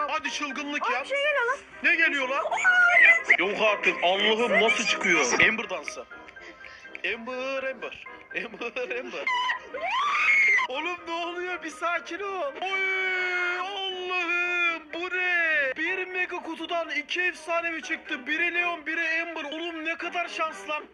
Hadi çılgınlık yap. Bir şey geliyor lan. Ne geliyor lan? Yok artık, Allah'ım nasıl çıkıyor? Amber dansı. Amber. Oğlum ne oluyor? Bir sakin ol. Oy Allah'ım, bu ne? Bir mega kutudan 2 efsanevi çıktı. Biri Leon, biri Amber. Oğlum ne kadar şans lan.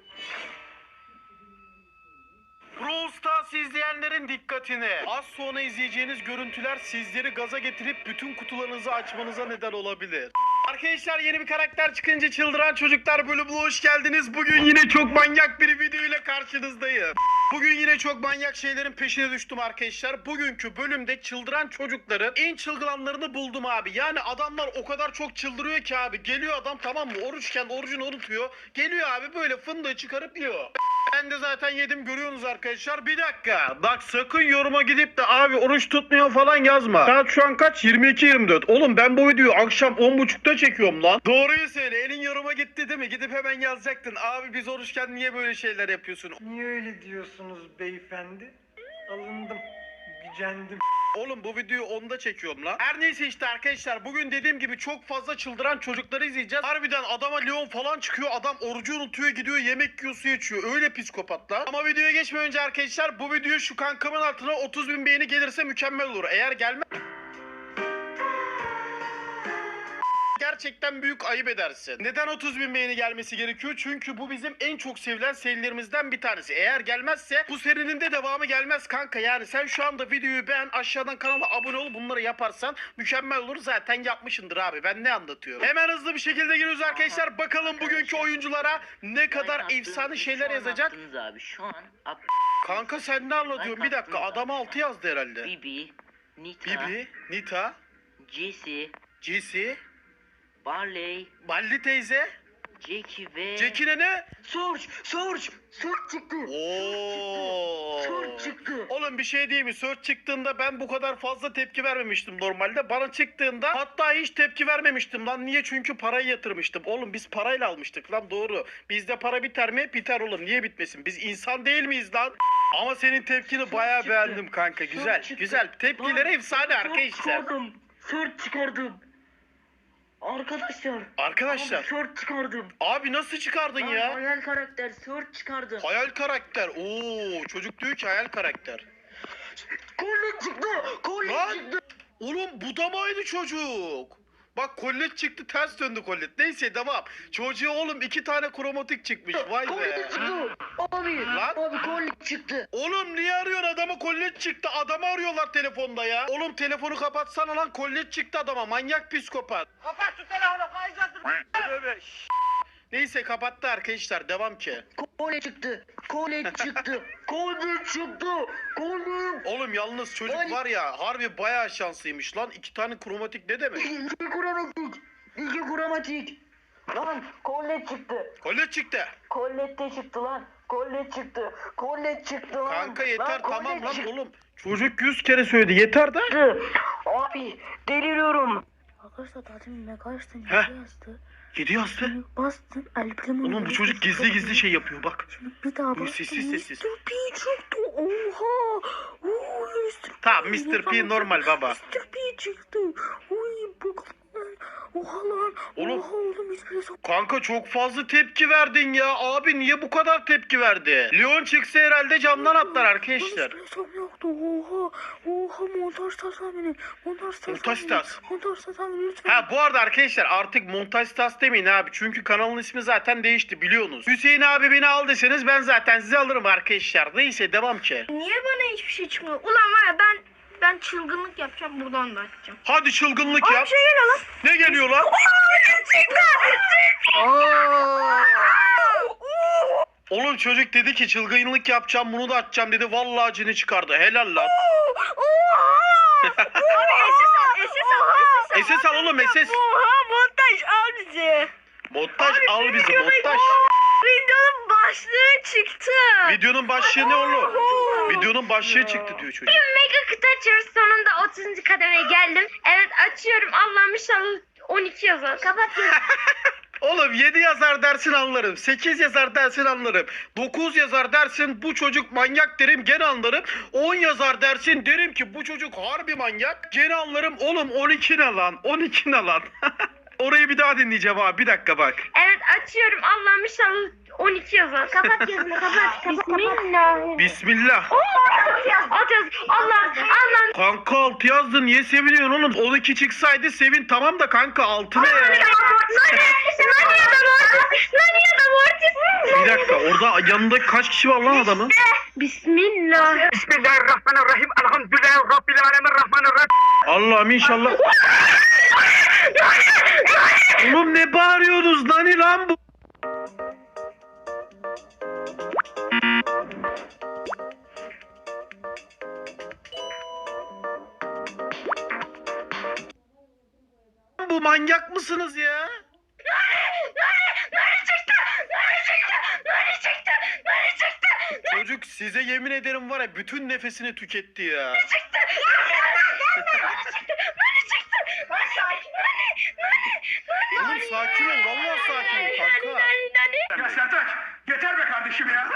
Brawl Stars izleyenlerin dikkatine. Az sonra izleyeceğiniz görüntüler sizleri gaza getirip bütün kutularınızı açmanıza neden olabilir. Arkadaşlar, yeni bir karakter çıkınca çıldıran çocuklar bölümüne hoş geldiniz. Bugün yine çok manyak bir video ile karşınızdayım. Bugün yine çok manyak şeylerin peşine düştüm arkadaşlar. Bugünkü bölümde çıldıran çocukların en çılgıranlarını buldum abi. Yani adamlar o kadar çok çıldırıyor ki abi. Geliyor adam, tamam mı? Oruçken orucunu unutuyor. Geliyor abi böyle fındığı çıkarıp yiyor. Ben de zaten yedim, görüyorsunuz arkadaşlar. Bir dakika. Bak sakın yoruma gidip de abi oruç tutmuyor falan yazma. Saat şu an kaç? 22:24. Oğlum ben bu videoyu akşam 10.30'da çekiyorum lan. Doğruyu söyle. Elin yoruma gitti değil mi? Gidip hemen yazacaktın. Abi biz oruçken niye böyle şeyler yapıyorsun? Niye öyle diyorsunuz beyefendi? Alındım, gücendim. Oğlum bu videoyu 10'da çekiyorum lan. Her neyse işte arkadaşlar, bugün dediğim gibi çok fazla çıldıran çocukları izleyeceğiz. Harbiden adama Leon falan çıkıyor. Adam orucu unutuyor, gidiyor yemek yiyor, su içiyor. Öyle psikopatlar. Ama videoya geçmeden önce arkadaşlar, bu video şu kankamın altına 30.000 beğeni gelirse mükemmel olur. Eğer gelmez... Gerçekten büyük ayıp edersin. Neden 30.000 beğeni gelmesi gerekiyor? Çünkü bu bizim en çok sevilen serilerimizden bir tanesi. Eğer gelmezse bu serinin de devamı gelmez kanka. Yani sen şu anda videoyu beğen, aşağıdan kanala abone ol, bunları yaparsan mükemmel olur. Zaten yapmışındır abi, ben ne anlatıyorum. Hemen hızlı bir şekilde giriyoruz arkadaşlar. Bakalım bugünkü oyunculara ne kadar efsane şeyler yazacak. Abi şu an Kanka sen ne anlatıyorsun? Bir dakika, adam 6 yazdı herhalde. Bibi, Nita, Bibi, Nita, Jesse, Jesse, Barley, Balli teyze, Jackie ve... Jackie'ne ne? Surge çıktı. Oo. Surge çıktı. Oğlum bir şey değil mi? Search çıktığında ben bu kadar fazla tepki vermemiştim normalde. Bana çıktığında hatta hiç tepki vermemiştim lan. Niye? Çünkü parayı yatırmıştım. Oğlum biz parayla almıştık lan, doğru. Bizde para biter mi? Biter oğlum. Niye bitmesin? Biz insan değil miyiz lan? Ama senin tepkini bayağı çıktı. beğendim kanka. Güzel. Çıktı. Güzel. Tepkileri efsane arkadaşlar. Surge çıkardım. Arkadaşlar. Abi, Surge çıkardım. Abi nasıl çıkardın Lan, ya? hayal karakter Surge çıkardım. Hayal karakter. Oo, çocuk diyor ki hayal karakter. Colin çıktı. Lan! Çıktı. Oğlum bu da mı aynı çocuk? Bak kollet çıktı, ters döndü kollet. Neyse devam. Çocuğa oğlum 2 tane kromatik çıkmış. Vay Colin be. çıktı. Abi. Lan! Abi Colin çıktı. Oğlum niye arıyorsun adamı? Kollet çıktı. Adamı arıyorlar telefonda ya. Oğlum telefonu kapatsana lan. Kollet çıktı adama. Manyak psikopat. Kapat şu telefonu, kayacaksın. Neyse kapattı arkadaşlar. Devam ki. Colin çıktı. Colin çıktı. Oğlum yalnız çocuk var ya, harbi bayağı şanslıymış lan. 2 tane kromatik ne demek? İki kromatik. Lan Colin çıktı. Kollet çıktı. Colette çıktı lan. Colette çıktı lan. Kanka yeter Lan, tamam Colette lan çıktı. oğlum. Çocuk 100 kere söyledi. Yeter de. Abi deliriyorum. Arkadaşlar daha demin ne kaçtın? Heh. Ne yazdı? 7 yazdı. Bastın El Primo. Oğlum bu çocuk gizli şey yapıyor bak. Şimdi bir daha bastın. Sessiz. Mr. P çıktı. Oha. Oo, Mr. P. Tamam Mr. P normal baba. Mr. P çıktı. Oy bu. Oha lan. Oğlum. Oha oğlum hiçbir şey. Kanka çok fazla tepki verdin ya. Abi niye bu kadar tepki verdi? Leon çıksa herhalde camdan atlar arkadaşlar. Hiçbir hesap yoktu. Oha. Oha montaj tahmini. Montaj tahmini lütfen. Ha bu arada arkadaşlar artık montaj tas demeyin abi. Çünkü kanalın ismi zaten değişti biliyorsunuz. Hüseyin abi beni al deseniz ben zaten sizi alırım arkadaşlar. Neyse devam ki. Niye bana hiçbir şey çıkmıyor? Ulan var ya ben çılgınlık yapacağım, buradan da açacağım. Hadi çılgınlık Abi yap. bir şey geliyor lan. Ne geliyor lan? Oğlum çocuk dedi ki çılgınlık yapacağım, bunu da açacağım dedi. Vallahi cini çıkardı. Helal lan. SS al oğlum SS. Oha montaj al bizi. Montaj al bizi montaj. Videonun başlığı çıktı. Videonun başlığı ne oğlum? Videonun başlığı çıktı diyor çocuk. Mega kutu açıyoruz. Sonunda 30. kademeye geldim. Evet açıyorum. Allah'ım inşallah 12 yazar. Kapatıyorum. Oğlum 7 yazar dersin anlarım. 8 yazar dersin anlarım. 9 yazar dersin bu çocuk manyak derim gene anlarım. 10 yazar dersin derim ki bu çocuk harbi manyak. Gene anlarım. Oğlum 12 ne lan? 12 ne lan? Orayı bir daha dinleyeceğim abi. Bir dakika bak. Evet açıyorum. Allah'ım inşallah 12 yazar. Kapat gözünü kapat. Bismillah. Bismillah. At yaz. Allah. Kanka 6 yazdı. Niye seviniyorsun oğlum? 12 çıksaydı sevin tamam da kanka 6 ne ya? Bir dakika orada yanında kaç kişi var lan adamın? Bismillah. Bismillahirrahmanirrahim. Elhamdülillahi Rabbil alemin. Allah'ım inşallah. Oğlum ne bağırıyorsunuz nani lan bu? Bu manyak mısınız ya? Çocuk size yemin ederim var ya bütün nefesini tüketti ya. Oğlum sakin ol vallahi sakin ol kanka. Ya Sertaç yeter be kardeşim ya.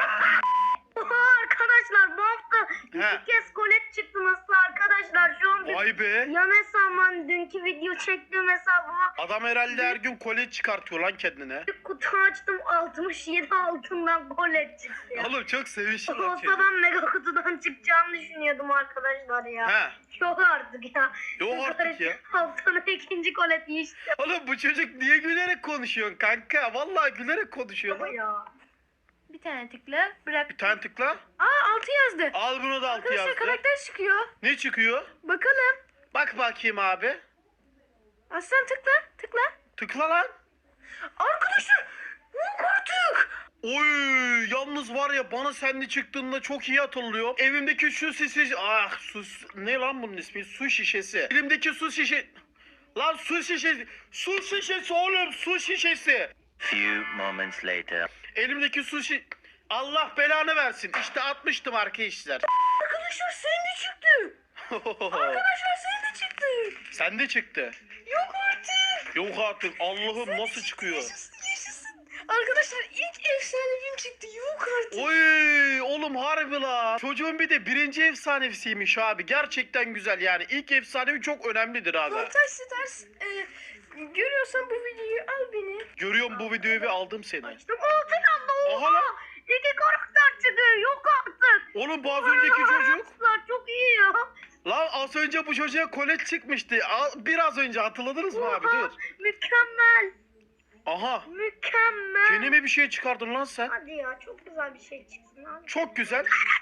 Arkadaşlar bu hafta He. 2 kez kolet çıktı nasıl arkadaşlar şu an Vay be. yan hesabım dünkü video çektiğim hesabıma Adam herhalde her gün kolye çıkartıyor lan kendine. bir kutu açtım 67 altından kolet çıktı ya. Oğlum çok sevişli lan Olsa çocuk. ben mega kutudan çıkacağını düşünüyordum arkadaşlar ya. He. Yok artık ya. Yok artık ya. Haftanın ikinci kolet işte Oğlum bu çocuk niye gülerek konuşuyorsun kanka? Vallahi gülerek konuşuyor lan. ya. Bir tane tıkla bırak. Bir tane tıkla. Aa 6 yazdı. Al bunu da altı Arkadaşlar yazdı. karakter çıkıyor. Ne çıkıyor? Bakalım. Bak bakayım abi. Aslan tıkla tıkla. Tıkla lan. Arkadaşlar yok artık. Oy yalnız var ya bana senli çıktığında çok iyi hatırlıyor. Evimdeki su şişesi... Ah sus. Ne lan bunun ismi? Su şişesi. Elimdeki su şişesi... Lan su şişesi. Su şişesi oğlum su şişesi. Few moments later. Elimdeki su şi... Allah belanı versin. İşte atmıştım arkadaşlar. Arkadaşlar senin de çıktı. Arkadaşlar senin de çıktı. Sen de çıktı. Yok artık. Yok artık. Allah'ım nasıl çıkıyor? Yaşasın yaşasın. Arkadaşlar ilk efsanevim çıktı. Yok artık. Oy oğlum harbi la. Çocuğun bir de birinci efsanevsiymiş abi. Gerçekten güzel yani. İlk efsanevi çok önemlidir abi. Montaj ters. Görüyorsan bu videoyu al beni. Görüyorum bu videoyu ve aldım seni. İşte altın Aha lan. İki karakter çıktı yok artık. Oğlum bu az önceki çocuk. Arkadaşlar çok iyi ya. Lan az önce bu çocuğa kolet çıkmıştı. Biraz önce hatırladınız mı abi? Dur. Mükemmel. Aha. Mükemmel. Kendime bir şey çıkardın lan sen. Hadi ya çok güzel bir şey çıksın abi. Çok güzel.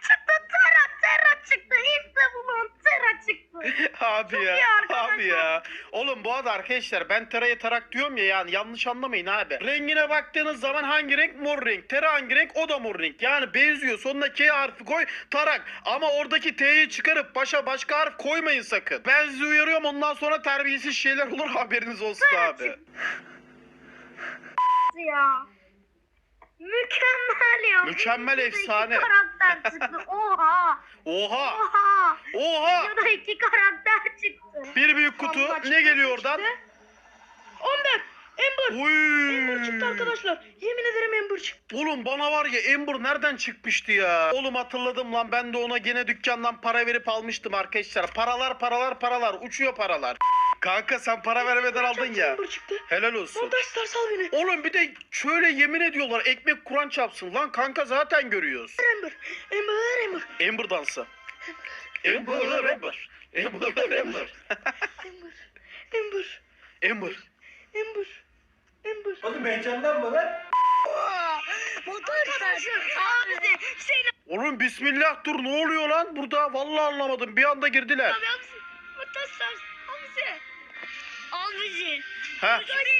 Terra çıktı. İşte bu lan Terra çıktı. Abi iyi ya. arkadaşlar. Abi ya. Oğlum bu arada arkadaşlar ben Tera'ya tarak diyorum ya yani yanlış anlamayın abi. Rengine baktığınız zaman hangi renk? Mor renk. Tera hangi renk? O da mor renk. Yani benziyor. Sonuna K harfi koy tarak. Ama oradaki T'yi çıkarıp başka harf koymayın sakın. Ben sizi uyarıyorum ondan sonra terbiyesiz şeyler olur haberiniz olsun abi. Ya. Mükemmel ya. Mükemmel, Videoda efsane. İki karakter çıktı. Oha. Oha. Oha. Oha. Videoda iki karakter çıktı. Bir büyük kutu. Vallahi Ne geliyor çıktı. oradan? 14. Ember. Oy. Ember çıktı arkadaşlar. Yemin ederim Ember çıktı. Oğlum bana var ya Ember nereden çıkmıştı ya? Oğlum hatırladım lan ben de ona gene dükkandan para verip almıştım arkadaşlar. Paralar uçuyor paralar. Kanka sen para vermeden aldın ya. Ember çıktı. Helal olsun. Montaj ters al beni. Oğlum bir de şöyle yemin ediyorlar ekmek Kur'an çapsın. Lan kanka zaten görüyoruz. Ember. Ember. Ember. Ember dansı. Ember. Ember. Ember. Ember. Ember. Ember. Oğlum heyecanlanma lan. Abi Hüseyin Oğlum bismillah dur ne oluyor lan burada? Vallahi anlamadım bir anda girdiler. abi Mutasar Hamza. Al bizi. He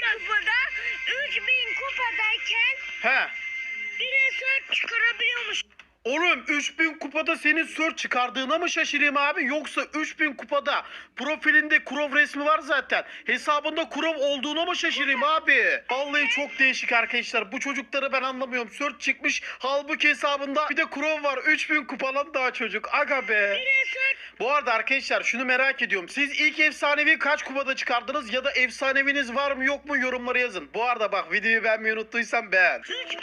3000 kupadayken he. bir eser çıkarabiliyormuş. Oğlum 3000 kupada senin sör çıkardığına mı şaşırayım abi yoksa 3000 kupada profilinde Kurov resmi var zaten. Hesabında Kurov olduğuna mı şaşırayım abi? Vallahi çok değişik arkadaşlar. Bu çocukları ben anlamıyorum. Sör çıkmış halbuki hesabında bir de Kurov var. 3000 kupalan daha çocuk. Aga be. Bu arada arkadaşlar şunu merak ediyorum. Siz ilk efsanevi kaç kupada çıkardınız ya da efsaneviniz var mı yok mu yorumlara yazın. Bu arada bak videoyu beğenmeyi unuttuysam beğen.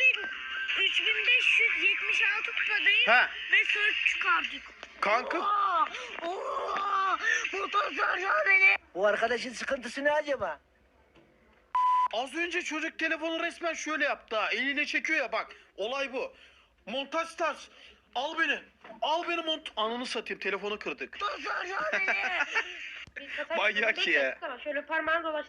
3576 kupadayım Ha ve search çıkardık. kanka Motor sarıyor beni. Bu arkadaşın sıkıntısı ne acaba? az önce çocuk telefonu resmen şöyle yaptı ha. Eliyle çekiyor ya bak. Olay bu. Montaj stars. Al beni. Al beni Ananı satayım telefonu kırdık. Motor sarıyor beni. Manyak ya. Şöyle parmağını dolaş.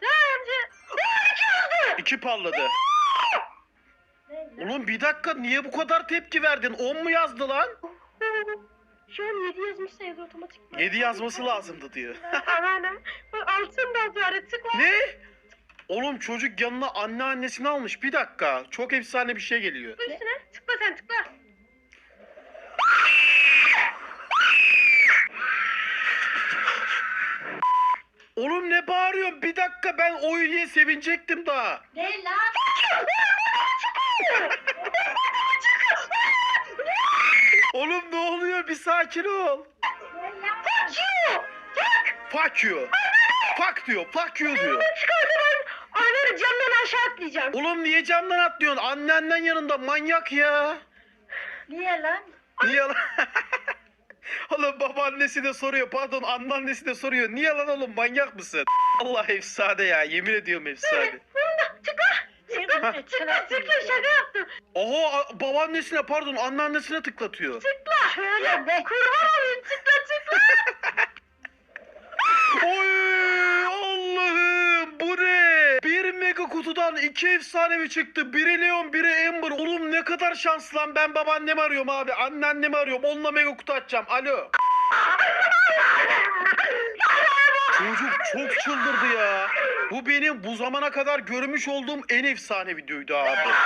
İki palladı. Oğlum bir dakika niye bu kadar tepki verdin? 10 mu yazdı lan? Şu an 7 yazmışsa yazı otomatik. 7 yazması lazımdı diyor. Anneannem. Altın da yazıyor. Tıkla. Ne? Oğlum çocuk yanına anneannesini almış. Bir dakika. Çok efsane bir şey geliyor. Üstüne. Tıkla sen tıkla. Oğlum ne bağırıyorsun? Bir dakika ben oy diye sevinecektim daha. Ne lan? Oğlum ne oluyor? Bir sakin ol. Fuck you. Fuck diyor. Fuck you diyor. Anneanne camdan aşağı atlayacağım. Oğlum niye camdan atlıyorsun? Anneannen yanında manyak ya. Niye lan? Niye lan? Oğlum babaannesi de soruyor. Pardon anneannesi de soruyor. Niye lan oğlum manyak mısın? Allah efsane ya. Yemin ediyorum efsane. Tıkla şaka yaptım. Oho babaannesine pardon anneannesine tıklatıyor. Şöyle be. Kurban olayım tıkla. Oy Allah'ım bu ne? Bir mega kutudan 2 efsanevi çıktı. Biri Leon biri Amber. Oğlum ne kadar şanslı lan. Ben babaannemi arıyorum abi. Anneannemi arıyorum. Onunla mega kutu açacağım. Alo. Çocuk çok çıldırdı ya. Bu benim bu zamana kadar görmüş olduğum en efsane videoydu abi. Abi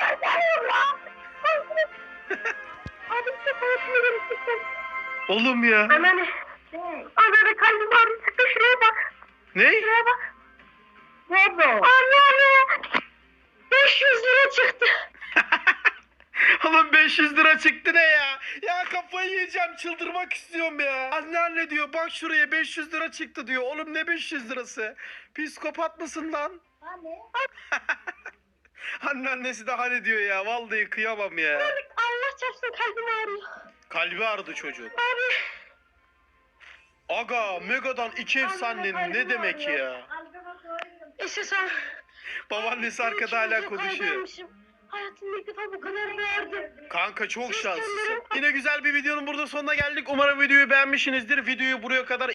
işte konuşmuyorum tıkla. Oğlum ya. Anneanne. Anneanne kalbim ağrıyor. Tıkla şuraya bak. Ne? Şuraya bak. Nerede o? Anneanne. 500 lira çıktı. Oğlum 500 lira çıktı ne ya? Ya kafayı yiyeceğim çıldırmak istiyorum ya. Anneanne diyor bak şuraya 500 lira çıktı diyor. Oğlum ne 500 lirası? Psikopat mısın lan? Anne. Anneannesi de hani diyor ya. Vallahi kıyamam ya. Allah çarpsın kalbim ağrıyor. Kalbi ağrıdı çocuğun. Aga Mega'dan 2 efsanenin ne demek ya? İşte sen. Babaannesi arkada hala konuşuyor. Hayatımda ilk defa bu kadar verdim. Kanka çok şanslısın. Yine güzel bir videonun burada sonuna geldik. Umarım videoyu beğenmişsinizdir. Videoyu buraya kadar